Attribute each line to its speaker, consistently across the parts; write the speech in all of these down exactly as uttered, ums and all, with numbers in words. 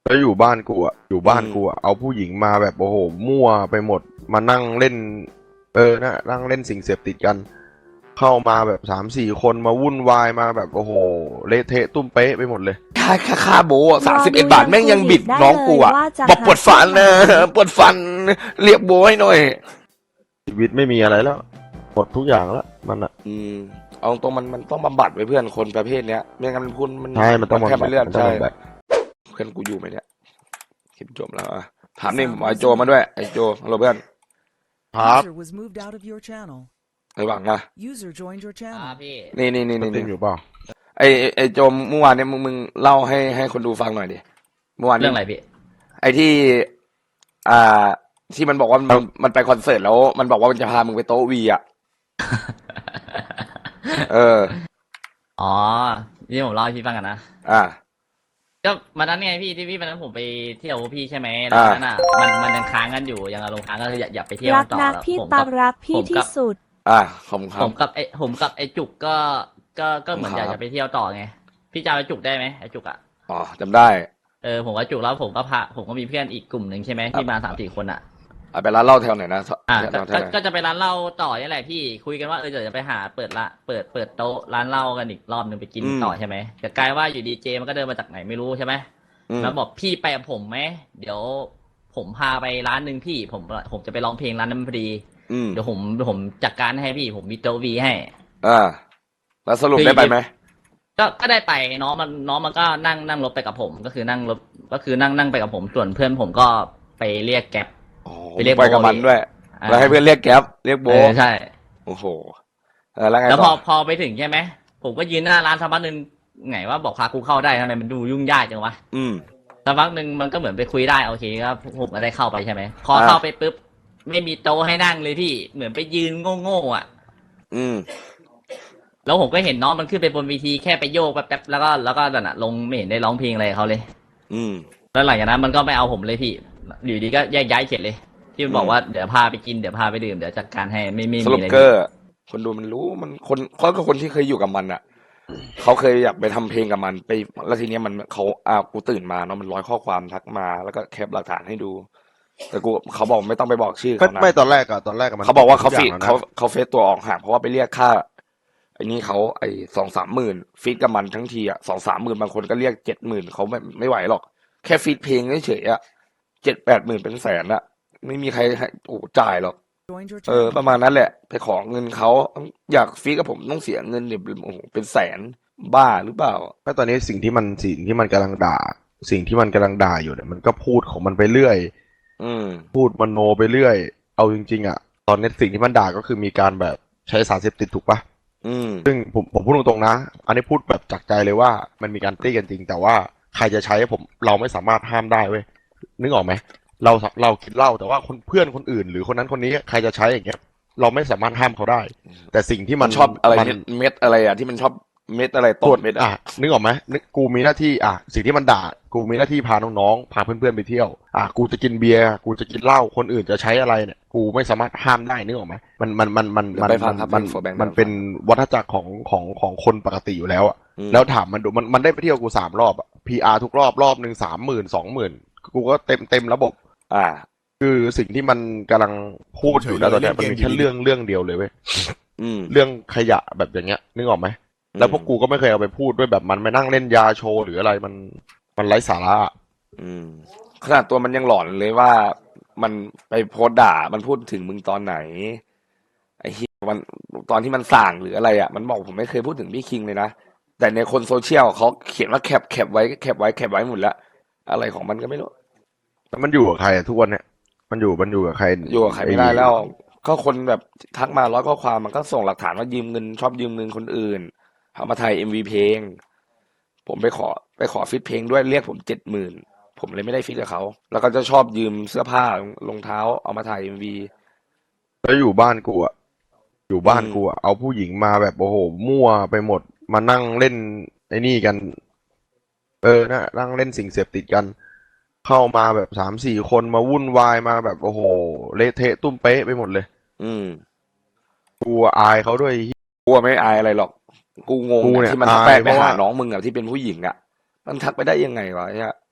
Speaker 1: แล้วอยู่บ้านกูอ่ะอยู่
Speaker 2: อื
Speaker 1: บ้าน
Speaker 2: ม
Speaker 1: กูอ่ะเอาผู้หญิงมาแบบโอ้โหมั่วไปหมดมานั่งเล่นเออนะนั่งเล่นสิ่งเสพติดกันเข้ามาแบบสามสี่คนมาวุ่นวายมาแบบโอ้โหเละเทะตุ้มเป๊ะไปหมดเลย
Speaker 2: ค่าค่าค่าโบสาม
Speaker 3: รอ
Speaker 2: สิบเอ็
Speaker 3: ดู
Speaker 2: ดบาทแม่งยังบิดน้องกูอ่ะบอกปวดฟันนะปวดฟันเรียกโบให้หน่อย
Speaker 1: ชีวิตไม่มีอะไรแล้วหมดทุกอย่างแล้วมันอ่ะ
Speaker 2: อืมเอาตรงมันมันต้องบำบัดไว้เพื่อนคนประเภทเนี้ยไม่งั้นมันพูดมัน
Speaker 1: ใช่มันต้อง
Speaker 2: แทบ
Speaker 1: บำบั
Speaker 2: ไม่
Speaker 1: ด
Speaker 2: เลือด
Speaker 1: มันต้อง
Speaker 2: ใช่
Speaker 1: บำบัด
Speaker 2: เพื่อนกูอยู่ไหมเนี่ยคลิปจบแล้วอ่ะถามนี่ไอโจมาด้วยไอโจฮัลโหลเพื่อน
Speaker 1: ครับ
Speaker 4: User was moved out of your channel.
Speaker 2: ไอหวังนะ
Speaker 4: User joined your
Speaker 5: อ่า
Speaker 4: channel.
Speaker 5: พี่
Speaker 2: นี่นี่นี่
Speaker 1: ส
Speaker 2: นี่
Speaker 1: ตรี
Speaker 2: นี่
Speaker 1: มอยู่เปล่า
Speaker 2: ไอไอโจเมื่อวานเนี่ยมึงมึงเล่าให้ให้คนดูฟังหน่อยดิเมื่อวาน
Speaker 5: เรื่
Speaker 2: นี้
Speaker 5: องอะไรพี่
Speaker 2: ไอที่อ่าที่มันบอกว่ามันมันไปคอนเสิร์ตแล้วมันบอกว่ามันจะพามึงไปโต๊ะวีอ่ะเออ
Speaker 5: อ๋อที่ผมเล่าให้พี่ฟังกันนะ
Speaker 2: อ่า
Speaker 5: ก็วันนั้นไงพี่ที่พี่วันนั้นผมไปเที่ยวพี่ใช่ไหมแล้ว
Speaker 2: อ่า
Speaker 5: วันนั้นอ่ะมันมันยังค้างกันอยู่ยังอารมณ์ค้างก็คืออย่าอย่าไปเที่ยว
Speaker 3: รั
Speaker 5: กั
Speaker 3: ก
Speaker 5: นต่อ
Speaker 3: นัก
Speaker 5: แล้ว
Speaker 3: พี่
Speaker 5: ผม
Speaker 3: ตา
Speaker 5: กับ
Speaker 3: รักพี่
Speaker 5: ผม
Speaker 3: ที่
Speaker 5: กับ
Speaker 3: สุด
Speaker 2: อ่าขอบคุณครั
Speaker 5: ผ
Speaker 2: บ
Speaker 5: มกับไอผมกับไอจุกก็ก็ก็เหมือน
Speaker 2: ค
Speaker 5: อ
Speaker 2: รับ
Speaker 5: ยากจะไปเที่ยวต่อไงพี่จำไอจุกได้ไหมไอจุกอ่ะ
Speaker 2: อ๋อจำได้
Speaker 5: เออผมก็จุกแล้วผมก็พาผมก็มีเพื่อนอีกกลุ่มหนึ่งใช่ไหมที่มาสามสี่คนอ่ะ
Speaker 2: เอาไปร้านเหล้าแถวไหนนะ
Speaker 5: อ่า
Speaker 2: แถ
Speaker 5: ก็
Speaker 2: วแถ
Speaker 5: ก็
Speaker 2: วไหน
Speaker 5: ก็จะไปร้านเหล้าต่อนี่แหละพี่คุยกันว่าเออเดี๋ยวจะไปหาเปิดละเปิดเปิดโต๊ะร้านเหล้ากันอีกรอบหนึ่งไปกินต่อใช่ไหมแต่กลายว่าอยู่ดีเจมันก็เดินมาจากไหนไม่รู้ใช่ไหม
Speaker 2: อืม
Speaker 5: แล้วบอกพี่ไปกับผมไหมเดี๋ยวผมพาไปร้านหนึ่งพี่ผมผมจะไปร้องเพลงร้านนั้นพอดี
Speaker 2: อืม
Speaker 5: เดี๋ยวผมผมจัดการให้พี่ผมมีโต๊ะวีให้
Speaker 2: อ่าแล้วสรุปได้ไปไหม
Speaker 5: ก็ก็ได้ไปน้องมันน้องมันก็นั่งนั่งรถไปกับผม ก็คือนั่งรถก็คือนั่งนั่งไปกับผมส่วนเพื่อนผมก็ไปเรียกแก๊ป
Speaker 2: อ๋อ
Speaker 5: ไปเรียก
Speaker 2: ไปกับ
Speaker 5: โบ
Speaker 2: มันด้วย
Speaker 5: อ่า
Speaker 2: แล้วให้เพื่อนเรียกแก๊ปเรียกโบ
Speaker 5: เออใช่
Speaker 2: โอ้โหเออแล้วไง
Speaker 5: แล้วพ
Speaker 2: ต่
Speaker 5: อ
Speaker 2: อ
Speaker 5: พอไปถึงใช่ไหมผมก็ยืนหน้าร้านสักพักหนึ่งไงว่าบอกพากูเข้าได้ทำไมมันดูยุ่งยากจังวะ
Speaker 2: อืม
Speaker 5: สักพักหนึ่งมันก็เหมือนไปคุยได้โอเคก็ผมก็ได้เข้าไปใช่ไหมพอ
Speaker 2: อ่า
Speaker 5: เข้าไปปุ๊บไม่มีโต๊ะให้นั่งเลยพี่เหมือนไปยืนโง่ๆอ่ะ
Speaker 2: อืม
Speaker 5: แล้วผมก็เห็นน้องมันขึ้นไปบนเวทีแค่ไปโยกแป๊บๆแล้วก็แล้วก็นั่นน่ะลงไม่เห็นได้ร้องเพลงอะไรกับเขาเลย
Speaker 2: อืม
Speaker 5: แล้วหลังจากนั้นมันก็ไม่เอาผมเลยพี่อยู่ดีก็แยกย้ายเฉยเลย ที่มันบอกว่าเดี๋ยวพาไปกินเดี๋ยวพาไปดื่มเดี๋ยวจัดการให้ไม่ไม่
Speaker 2: ส
Speaker 5: มี
Speaker 2: รุป
Speaker 5: อะไร
Speaker 2: เกอร์คนดูมันรู้มันคนเขาก็คนที่เคยอยู่กับมันอ่ะเขาเคยอยากไปทำเพลงกับมันไปแล้วทีเนี้ยมันเขาอ่ากูตื่นมาเนาะมันร้อยข้อความทักมาแล้วก็แคปหลักฐานให้ดู แต่กูเขาบอกไม่ต้องไปบอกชื่อ
Speaker 1: ไม่
Speaker 2: เขานะ
Speaker 1: ไม่ตอนแรกอะตอนแรกอะมัน
Speaker 2: เขาบอกว่าเขา
Speaker 1: ทุ
Speaker 2: ฟี
Speaker 1: ย่
Speaker 2: ด
Speaker 1: งแล้วนะ
Speaker 2: เขาเขาเฟซตัวออกห่างเพราะว่าไปเรียกค่าไอ้นี่เขาไอ้สองสามหมื่นฟีดกับมันทั้งทีอ่ะสองสามหมื่นบางคนก็เรียกเจ็ดหมื่นเขาไม่ไม่ไหวหรอกแค่ฟีดเพลงเฉยๆอ่ะเจ็ดแปดหมื่นเป็นแสนอ่ะไม่มีใครให้โอ้จ่ายหรอก
Speaker 4: Joined your
Speaker 2: เออ
Speaker 4: channel.
Speaker 2: ประมาณนั้นแหละ ไปขอเงินเขาอยากฟีดกับผมต้องเสียเงินเนี่ยโอ้โหเป็นแสนบ้าหรือเปล่า
Speaker 1: ก็ตอนนี้สิ่งที่มันสิ่งที่มันกำลังด่า สิ่งที่มันกำลังด่าอยู่เนี่ยมันก็พูดของมันไปเรื่อย
Speaker 2: อืม
Speaker 1: พูดมโนไปเรื่อย เอาจริงๆอ่ะ ตอนนี้สิ่งที่มันด่าก็คือมีการแบบใช้สารเสพติดถูกปะ
Speaker 2: อืม
Speaker 1: ซึ่งผมผมพูดตรงๆนะ อันนี้พูดแบบจากใจเลยว่ามันมีการตี้กันจริง แต่ว่าใครจะใช้ผมเราไม่สามารถห้ามได้เว้ย นึกออกไหม เราเราคิดเหล่าแต่ว่าคนเพื่อนคนอื่น หรือคนนั้นคนนี้ใครจะใช้อย่างเงี้ย เราไม่สามารถห้ามเขาได้ แต่สิ่งที่
Speaker 2: มั
Speaker 1: มัน น
Speaker 2: ชอบอะไร
Speaker 1: มัน
Speaker 2: เม็ดเม็ดอะไรอ่ะที่มันชอบเม็ดอะไร
Speaker 1: ต
Speaker 2: ต้
Speaker 1: รวจ
Speaker 2: นเม็ด
Speaker 1: อ่ะ
Speaker 2: อ่ะ
Speaker 1: นึกออกไหมนึกกูมีหน้าที่อ่ะสิ่งที่มันด่า กูมีหน้าที่พาน้องๆพาเพื่อนๆไปเที่ยวอ่ะกูจะกินเบียร์กูจะกินเหล้าคนอื่นจะใช้อะไรเนี่ยกูไม่สามารถห้ามได้นึกออกไหมมันมันมันมันมัน
Speaker 2: ไปฟังครับ
Speaker 1: มัน
Speaker 2: โฟร์แบงค์
Speaker 1: มันเป็นวัฏจักรของของของคนปกติอยู่แล้วอ่ะ
Speaker 2: อืม
Speaker 1: แล้วถามมันดูมันมันได้ไปเที่ยวกูสามรอบอ่ะ พี อาร์ ทุกรอบรอบหนึ่งสามหมื่นสองหมื่นกูก็เต็มเต็มระบบ
Speaker 2: อ่า
Speaker 1: คือสิ่งที่มันกำลังพูดอยู่นะตอนเนี้ยมันมีแค่เรื่องเรื่องเดียวเลยเว้ย
Speaker 2: อืม
Speaker 1: เรื่องขยะแบบอย่างเงี้ยนึกออกไหม แล้วพวกกูก็ไม่เคยเอาไปพูดด้วยแบบมันไปนั่งเล่นยาโชว์หรืออะไรมันมันไร้สาระอะ
Speaker 2: อืมขนาดตัวมันยังหลอนเลยว่ามันไปโพสต์ด่ามันพูดถึงมึงตอนไหนไอ้เหี้ยมันตอนที่มันสั่งหรืออะไรอ่ะมันบอกผมไม่เคยพูดถึงพี่คิงเลยนะแต่ในคนโซเชียลเขาเขียนว่าแคปแคปไว้แคปไว้แคปไว้หมดแล้วอะไรของมันก็ไม่รู้
Speaker 1: แล้วมันอยู่กับใครอะทุกวันเนี้ยมันอยู่มันอยู่กับใคร
Speaker 2: อยู่กับใครไม่ได้แล้ว ก็คนแบบทักมาร้อยข้อความมันก็ส่งหลักฐานว่ายืมเงินชอบยืมเงินคนอื่นเอามาถ่ายเอ็มวีเพลง ผมไปขอไปขอฟิตเพลงด้วยเรียกผมเจ็ดหมื่นผมเลยไม่ได้ฟิตกับเขาแล้วก็จะชอบยืมเสื้อผ้ารองเท้าเอามาถ่ายเอ็มวี
Speaker 1: แล้วอยู่บ้านกูอะอยู่บ้าน
Speaker 2: อืม
Speaker 1: กูอะเอาผู้หญิงมาแบบโอ้โหมั่วไปหมดมานั่งเล่นไอ้นี่กัน เออนะนั่งเล่นสิ่งเสพติดกัน เข้ามาแบบสามสี่คนมาวุ่นวายมาแบบโอ้โหเละเทะตุ้มเป๊ะไปหมดเลย
Speaker 2: อืม
Speaker 1: กูอายเขาด้วย
Speaker 2: กลัวไม่อายอะไรหรอก กูงง
Speaker 1: กู
Speaker 2: อะ
Speaker 1: เนี่ย
Speaker 2: ที่มันทักไป
Speaker 1: อาย
Speaker 2: ไป
Speaker 1: เพราะ
Speaker 2: หา
Speaker 1: ว่า
Speaker 2: น้องมึงอะที่เป็นผู้หญิงอะมันทักไปได้ยังไงวะเนี่ย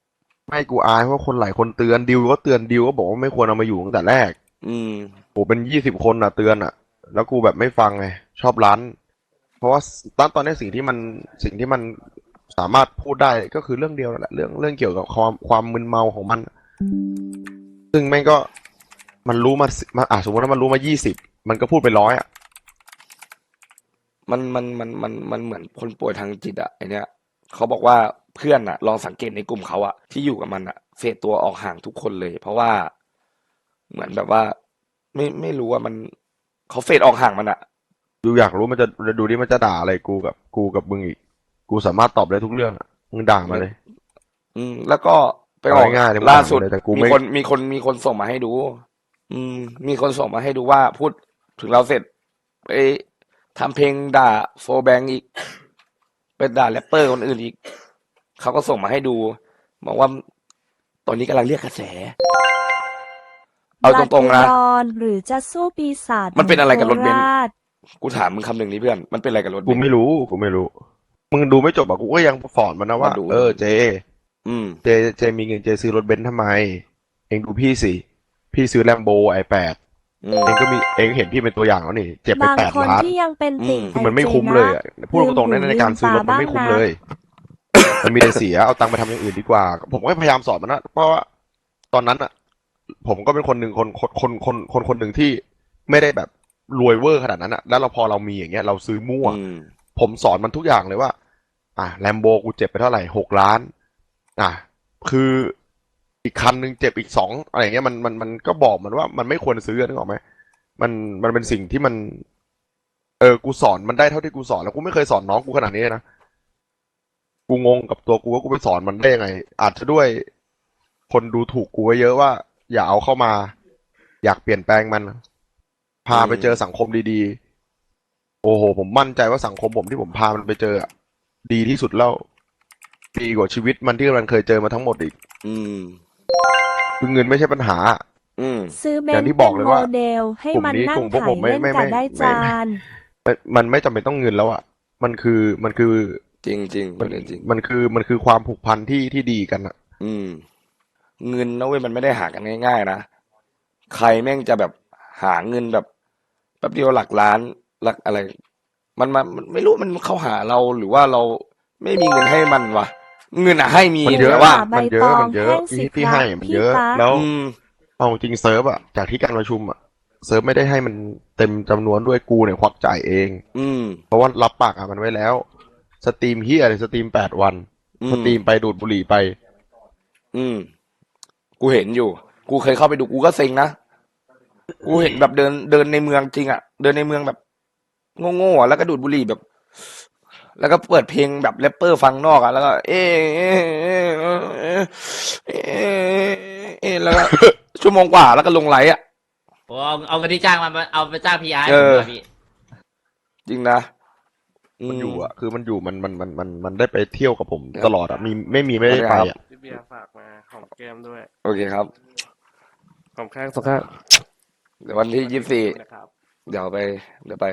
Speaker 1: ไม่กูอายเพราะคนหลายคนเตือนดิวก็เตือนดิวก็บอกว่าไม่ควรเอามาอยู่ตั้งแต่แรก
Speaker 2: อืม
Speaker 1: โหเป็นยี่สิบคนอ่ะเตือนอ่ะ แล้วกูแบบไม่ฟังไงชอบร้าน เพราะว่าตอนตอนนี้สิ่งที่มันสิ่งที่มันสามารถพูดได้ก็คือเรื่องเดียวนั่นแหละเรื่องเรื่องเกี่ยวกับความความมึนเมาของมัน ซึ่งแม่งก็มันรู้มาสิมาอ่ะสมมติว่ามันรู้มายี่สิบมันก็พูดไปร้อยอ่ะ
Speaker 2: มันมันมันมันมันเหมือนคนป่วยทางจิตอะไอเนี้ยเขาบอกว่าเพื่อนอะลองสังเกตในกลุ่มเขาอะที่อยู่กับมันอะเฟดตัวออกห่างทุกคนเลย เพราะว่าเหมือนแบบว่า ไม่ไม่รู้ว่ามันเขาเฟดออกห่างมันอะ
Speaker 1: ดูอยากรู้มันจะดูดิมันจะด่าอะไรกูกับกูกับมึงอีก กูสามารถตอบได้ทุกเรื่องอะมึงด่ามาเลย
Speaker 2: อืม แล้วก็ไปออก
Speaker 1: เอาง่ายๆเลย
Speaker 2: ล่าสุด
Speaker 1: มันด่ามาเลยแต่กู
Speaker 2: มี
Speaker 1: ไม่
Speaker 2: คนมีคนมีคนส่งมาให้ดู อืม มีคนส่งมาให้ดูว่าพูดถึงเราเสร็จไปทำเพลงด่าโฟแบงอีกไปด่าแรปเปอร์คนอื่นอีกเขาก็ส่งมาให้ดูบอกว่าตอนนี้กำลังเรียกกระแส เอาตรงๆนะ
Speaker 3: บลาเทรอนหรือจะสู้ปีศาจ
Speaker 2: มันเป็นอะไรกับรถเบนซ์
Speaker 3: โคาช
Speaker 2: กูถามมึงคำหนึ่งนี้เพื่อน มันเป็นอะไรกับรถเบ
Speaker 1: กู
Speaker 2: นซ์
Speaker 1: ไม่รู้กูไม่รู้ มึงดูไม่จบอ่ะกูก็ยังสอนมันนะว่า
Speaker 2: มาดู
Speaker 1: เออเจ
Speaker 2: อืม
Speaker 1: เจเจมีเงินเจซื้อรถเบนซ์ทำไม เองดูพี่สิพี่ซื้อแลมโบไอแปด
Speaker 2: อืม
Speaker 1: เองก็มีเองเห็นพี่เป็นตัวอย่างแล้วนี่เจ็บไป
Speaker 3: บาง
Speaker 1: แปด
Speaker 3: คน
Speaker 1: ล้าน
Speaker 3: ที่ยังเป็นติ่ง
Speaker 2: อืม
Speaker 1: คือมันไม่
Speaker 3: ไอเจ
Speaker 1: คุ้ม
Speaker 3: นะ
Speaker 1: เลยอะพูดตรงๆ
Speaker 3: ลื
Speaker 1: ใน
Speaker 3: มหู
Speaker 1: ในการซื้อรถ
Speaker 3: ลืมตา
Speaker 1: มันไม่คุ้ม
Speaker 3: บ้างนะ
Speaker 1: เลย มันมีแต่เสียเอาตังค์ไปทำอย่างอื่นดีกว่า ผมก็พยายามสอนมันนะเพราะว่าตอนนั้นอ่ะ ผมก็เป็นคนหนึ่งคนคนคนคนคนคนหนึ่งที่ไม่ได้แบบรวยเวอร์ขนาดนั้นอ่ะ แล้วเราพอเรามีอย่างเงี้ยเราซื้อมั่ว
Speaker 2: อืม
Speaker 1: ผมสอนมันทุกอย่างเลยว่า อ่ะแลมโบกูเจ็บไปเท่าไหร่หกล้าน อ่ะคืออีกคันหนึ่งเจ็บอีกสองอะไรอย่างเงี้ยมันมันมันก็บอกมันว่ามันไม่ควรซื้อนึกออกไหมมันมันเป็นสิ่งที่มัน เออกูสอนมันได้เท่าที่กูสอนแล้วกูไม่เคยสอนน้องกูขนาดนี้เลยนะกูงงกับตัวกูว่ากูไปสอนมันได้ยังไง อาจจะด้วยคนดูถูกกูไว้เยอะว่า อย่าเอาเข้ามา อยากเปลี่ยนแปลงมัน พาไปเจอสังคมดีๆ โอ้โห ผมมั่นใจว่าสังคมผมที่ผมพามันไปเจออะดีที่สุดแล้ว ดีกว่าชีวิตมันที่มันเคยเจอมาทั้งหมดอีก
Speaker 2: อืม
Speaker 1: คือเงินไม่ใช่ปัญหา
Speaker 2: อืม
Speaker 3: ซื้อเบ
Speaker 1: อย่าน ง
Speaker 3: ซ์
Speaker 1: ที่บ
Speaker 3: เป็
Speaker 1: อก
Speaker 3: น
Speaker 1: เลย
Speaker 3: โม
Speaker 1: ว่า
Speaker 3: เดลให้
Speaker 1: กลุ่ม
Speaker 3: มัน
Speaker 1: นี้
Speaker 3: นั่
Speaker 1: ก
Speaker 3: ง
Speaker 1: ลุ่มพวก
Speaker 3: ไถ
Speaker 1: ผมไม่
Speaker 3: เล่น
Speaker 1: ไม่
Speaker 3: กั
Speaker 1: ไม่
Speaker 3: บได้
Speaker 1: ไม่
Speaker 3: จา
Speaker 1: ไม่
Speaker 3: น
Speaker 1: มันมันไม่จำเป็นต้องเงินแล้วอ่ะ มันคือมันคือ
Speaker 2: จริงจริง
Speaker 1: มัน
Speaker 2: จริง
Speaker 1: มันคือมันคือความผูกพันที่ที่ดีกันอ่ะ
Speaker 2: อืม เงินนะเว้ยมันไม่ได้หากันง่ายๆนะ ใครแม่งจะแบบหาเงินแบบแป๊บเดียวหลักล้านหลักอะไร มันมามันไม่รู้มันเข้าหาเราหรือว่าเราไม่มีเงินให้มันวะเงินอะให้มี
Speaker 1: มันเยอะ
Speaker 2: แต่ว่า
Speaker 3: ใบ
Speaker 1: มันเย
Speaker 3: ต
Speaker 1: อะ
Speaker 3: อง
Speaker 1: มันเยอะ
Speaker 3: แห้งสิ
Speaker 1: ที่ที่
Speaker 3: ครับ
Speaker 1: ให้มัน
Speaker 3: พี่
Speaker 1: เยอะ
Speaker 3: ตา
Speaker 1: แล้ว
Speaker 2: อืม
Speaker 1: เอาจริงเซิร์ฟอะจากที่การประชุมอะเซิร์ฟไม่ได้ให้มันเต็มจำนวนด้วยกูเนี่ยควักจ่ายเอง
Speaker 2: อืม
Speaker 1: เพราะว่ารับปากอะมันไว้แล้ว สตรีมเฮียอะไรสตรีมแปดวัน
Speaker 2: อืม
Speaker 1: สตรีมไปดูดบุหรี่ไป
Speaker 2: อืม กูเห็นอยู่ กูเคยเข้าไปดูกูก็เซ็งนะ กูเห็นแบบเดินเดินในเมืองจริงอะเดินในเมืองแบบโง่ๆอะแล้วก็ดูดบุหรี่แบบ แล้วก็เปิดเพลงแบบแรปเปอร์ฟังนอกอะแล้วก็ เอะเอะเอะเอะเอะเอะเอะแล้วก็ ชั่วโมงกว่าแล้วก็ลงไลฟ์อะ
Speaker 5: ผมเอาเอาเงินที่จ้างมาเอาไปจ้างพีอาร์
Speaker 2: เอ
Speaker 5: ผม
Speaker 2: อ
Speaker 5: เลยพี่
Speaker 2: จริงนะอื
Speaker 1: มัน
Speaker 2: ม
Speaker 1: อยู่อะคือมันอยู่มันมันมันมันมันได้ไปเที่ยวกับผม
Speaker 2: ครับ
Speaker 1: ตลอดอะมีไม่มีไม่ได้ไปอะ
Speaker 6: พี่เบียร์ฝากมาหอมแก้มด้วย
Speaker 2: โอเคครับ
Speaker 6: หอมข้างสองข้าง
Speaker 2: เดี๋ยววันที่ยี่สิบสี่
Speaker 6: นะครับ
Speaker 2: เดี๋ยวไป เดี๋ยวไป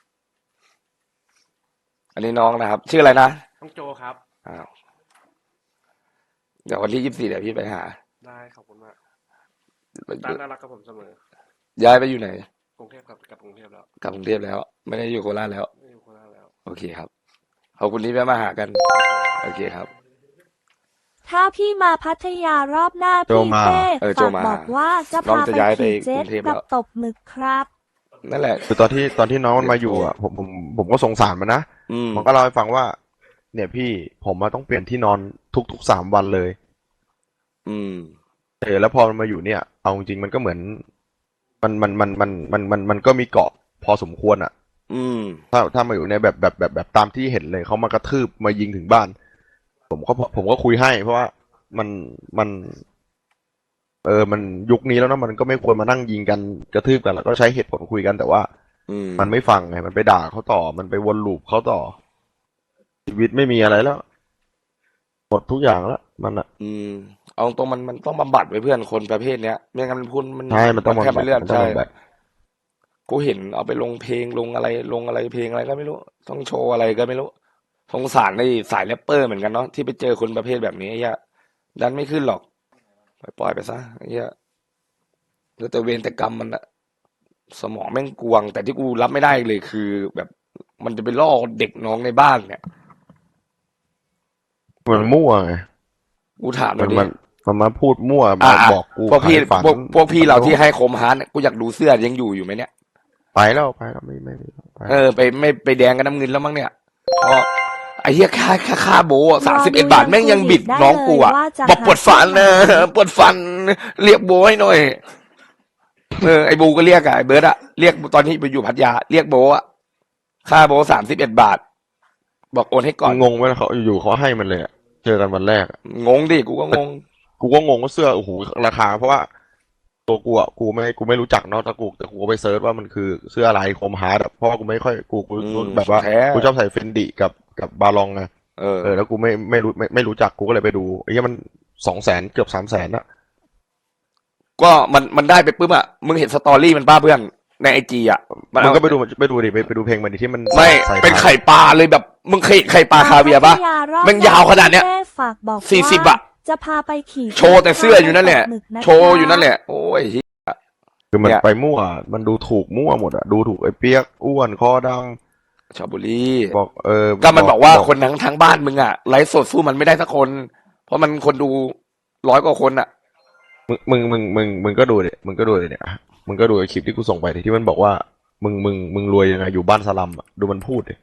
Speaker 2: อันนี้น้องนะครับ ชื่ออะไรนะ
Speaker 6: ต้องโจครับ
Speaker 2: อ้าว เดี๋ยววันที่ยี่สิบสี่เดี๋ยวพี่ไปหา
Speaker 6: ได้ขอบคุณมากตาน่ารักกับผมเสมอ
Speaker 2: ย้ายไปอยู่ไหน
Speaker 6: กรุงเทพกับกับกรุงเทพแล้ว
Speaker 2: กลับกรุงเทพแล้ว ไม่ได้อยู่โคราชแล้ว
Speaker 6: ไม่อยู่โคราชแล้ว
Speaker 2: โอเคครับ ขอบคุณที่แวะมาหากัน โอเคครับ
Speaker 3: ถ้าพี่มาพัทยารอบหน้า
Speaker 1: โจ
Speaker 3: พี่
Speaker 1: มา
Speaker 3: เต้
Speaker 2: เออโจ
Speaker 3: ฝาก
Speaker 2: มา
Speaker 3: บอกว่าจะ
Speaker 2: น้อง
Speaker 3: พา
Speaker 2: จะ
Speaker 3: ไป
Speaker 2: ย้ายไป
Speaker 3: ขี่เจ็
Speaker 2: ก
Speaker 3: ต
Speaker 2: รุงเทพแล้
Speaker 3: กั
Speaker 2: ว
Speaker 3: บตบหมึกครับ
Speaker 2: นั่นแหละ
Speaker 1: คือตอนที่ตอนที่น้องมันมาอยู่อะผมผมผมก็สงสารมันนะ
Speaker 2: อืม
Speaker 1: มันก็เล่าให้ฟังว่า เนี่ยพี่ผมมาต้องเปลี่ยนที่นอนทุกๆสามวันเลย
Speaker 2: อืม
Speaker 1: เออแล้วพอมันมาอยู่เนี่ย เอาจริงๆมันก็เหมือน มันมันมันมันมันมันมันก็มีเกาะพอสมควรอ่ะ
Speaker 2: อืม
Speaker 1: ถ้าถ้ามาอยู่ในแบบแบบแบบแบบตามที่เห็นเลยเขามากระทืบมายิงถึงบ้าน ผมก็ผมก็คุยให้ เพราะว่ามันมัน เออมันยุคนี้แล้วนะมันก็ไม่ควรมานั่งยิงกันกระทืบกันแล้วก็ใช้เหตุผลคุยกันแต่ว่า
Speaker 2: อืม
Speaker 1: มันไม่ฟังไงมันไปด่าเขาต่อ มันไปวนลูปเขาต่อ ชีวิตไม่มีอะไรแล้วหมดทุกอย่างแล้วมันอ่ะ
Speaker 2: อืม เอาตรงมันมันต้องบำบัดไว้เพื่อนคนประเภทเนี้ยไม่งั้นมันพูดมัน
Speaker 1: ใช่มันต้อง
Speaker 2: แค่
Speaker 1: บำบั
Speaker 2: ไม่
Speaker 1: ด
Speaker 2: เลื่อน
Speaker 1: มันต้อง
Speaker 2: ใช่
Speaker 1: บำบัด
Speaker 2: กูเห็นเอาไปลงเพลงลงอะไรลงอะไรเพลงอะไรก็ไม่รู้ ต้องโชว์อะไรก็ไม่รู้สงสารในสายแรปเปอร์เหมือนกันเนาะที่ไปเจอคนประเภทแบบนี้ไอ้เหี้ยดันไม่ขึ้นหรอกปล่อยไปซะไอ้เหี้ยเหลือแต่เวรแต่กรรมมันอะสมองแม่งกวง แต่ที่กูรับไม่ได้เลยคือ แบบมันจะไปล่อเด็กน้องในบ้านเนี่ย
Speaker 1: มันมั่วไง
Speaker 2: กูถามหน่
Speaker 1: มั
Speaker 2: อน ยดิ
Speaker 1: มันมันมาพูดมั่ว
Speaker 2: อ่ะ
Speaker 1: มา
Speaker 2: อ่ะ
Speaker 1: บอกกู
Speaker 2: พวกพี่
Speaker 1: ขายฝัน
Speaker 2: พวกพวกพี่เราที่ให้โคมฮาร์ดเนี่ยกูอยากดูเสื้อยังอยู่อยู่ไหมเนี่ย
Speaker 1: ไปแล้วไปแล้วไม่ไม่ไม่ไป
Speaker 2: เออไปไม่ไปแดงกันน้ำเงินแล้วมั้งเนี่ยเพราะไอ้เหี้ยค่าค่าค่าโบสามสิบเอ็ดบาทแม่งยังบิดน้องกูอ่ะบอกปวดฟันนะปวดฟันเรียกโบให้หน่อยเออไอ้บูก็เรียกอะไอ้เบิร์ดอะเรียกตอนที่ไปอยู่พัทยาเรียกโบอะค่าโบสามสิบเอ็ดบาท บอกโอนให้ก่อน
Speaker 1: งงไหมเขาอยู่ๆเขาให้มันเลยอะเจอกันวันแรกอะ
Speaker 2: งงดิกูก็งง
Speaker 1: กูก็งงว่าเสื้อโอ้โหราคา เพราะว่าตัวกูอ่ะกูไม่กูไม่รู้จักเนาะแต่กูแต่กูก็ไปเซิร์ชว่ามันคือเสื้ออะไรคมฮาร์ดอะเพราะว่ากูไม่ค่อยกูกู
Speaker 2: อืม
Speaker 1: แบบว่า
Speaker 2: แท้
Speaker 1: กูชอบใส่เฟนดิกับกับบาลองไง
Speaker 2: เออ
Speaker 1: เออแล้วกูไม่ไม่รู้ไม่ไม่รู้จักกูก็เลยไปดูไอ้เหี้ยมันสองแสนเกือบสามแสนอะ
Speaker 2: ก็มันมันได้ไปปุ๊บอะมึงเห็นสตอรี่มันป้าเพื่อนในไอจีอะมัน
Speaker 1: มึง
Speaker 2: เอา
Speaker 1: ก็ไปดูไปดูดิไปไปดูเพลงมันดิที่มัน
Speaker 2: ไม่
Speaker 1: ใส่
Speaker 2: เป็น
Speaker 1: ถ่าย
Speaker 2: ไข่ปลาเลยแบบมึงเคยไข่ปลาคาเวียร์ปะ
Speaker 3: พัทยารอบ
Speaker 2: แม่งยาวขนาดเนี้ย
Speaker 3: แม่ฝากบอก
Speaker 2: สี่สิบ
Speaker 3: ว่า
Speaker 2: อะ
Speaker 3: จะพาไปขี่
Speaker 2: โชว์แต่เสื้ออยู่นั่นแหละ
Speaker 3: หมึกนค
Speaker 2: โชว์อยู่นั่นแหละ โอ้ยเหี้ย
Speaker 1: คือมัน
Speaker 2: เนี่ย
Speaker 1: ไปมั่วมันดูถูกมั่วหมดอะดูถูกไอ้เปียกอ้วนคอด
Speaker 2: ชาวบุรี
Speaker 1: ำบอกเออ
Speaker 2: ก็มันบอกว่าคนทั้งทั้งบ้านมึงอะไลฟ์สดสู้มันไม่ได้สักคน เพราะมันคนดูร้อยกว่าคนอะ
Speaker 1: มึงมึงมึงมึงมึงก็ดูดิมึงก็ดูดิเนี่ยมึงก็ดูไอ้คลิปที่กูส่งไปดิที่มันบอกว่ามึงมึงมึงรวยยังไงอยู่บ้านสลัมอะดูมันพูดดิ